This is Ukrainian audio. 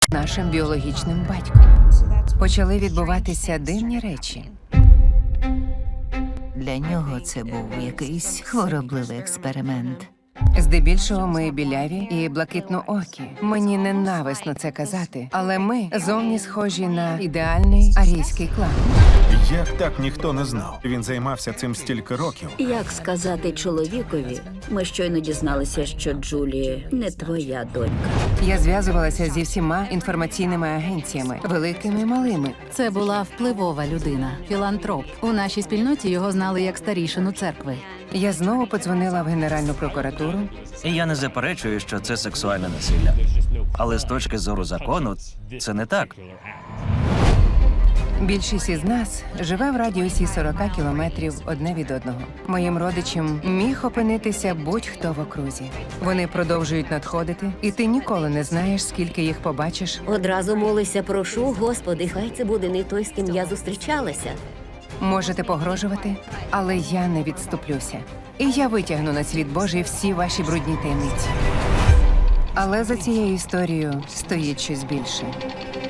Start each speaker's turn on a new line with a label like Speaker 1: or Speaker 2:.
Speaker 1: нашим біологічним батьком. Почали відбуватися дивні речі.
Speaker 2: Для нього це був якийсь хворобливий експеримент.
Speaker 1: Здебільшого ми біляві і блакитноокі. Мені ненависно це казати, але ми зовні схожі на ідеальний арійський клан.
Speaker 3: Як так ніхто не знав? Він займався цим стільки років.
Speaker 4: Як сказати чоловікові? Ми щойно дізналися, що Джулі не твоя донька.
Speaker 1: Я зв'язувалася зі всіма інформаційними агенціями, великими і малими.
Speaker 5: Це була впливова людина, філантроп. У нашій спільноті його знали як старішину церкви.
Speaker 1: Я знову подзвонила в Генеральну прокуратуру.
Speaker 6: І я не заперечую, що це сексуальне насилля. Але з точки зору закону, це не так.
Speaker 1: Більшість із нас живе в радіусі 40 кілометрів одне від одного. Моїм родичам міг опинитися будь-хто в окрузі. Вони продовжують надходити, і ти ніколи не знаєш, скільки їх побачиш.
Speaker 7: Одразу молися, прошу, Господи, хай це буде не той, з ким я зустрічалася.
Speaker 1: Можете погрожувати, але я не відступлюся. І я витягну на світ Божий всі ваші брудні таємниці. Але за цією історією стоїть щось більше.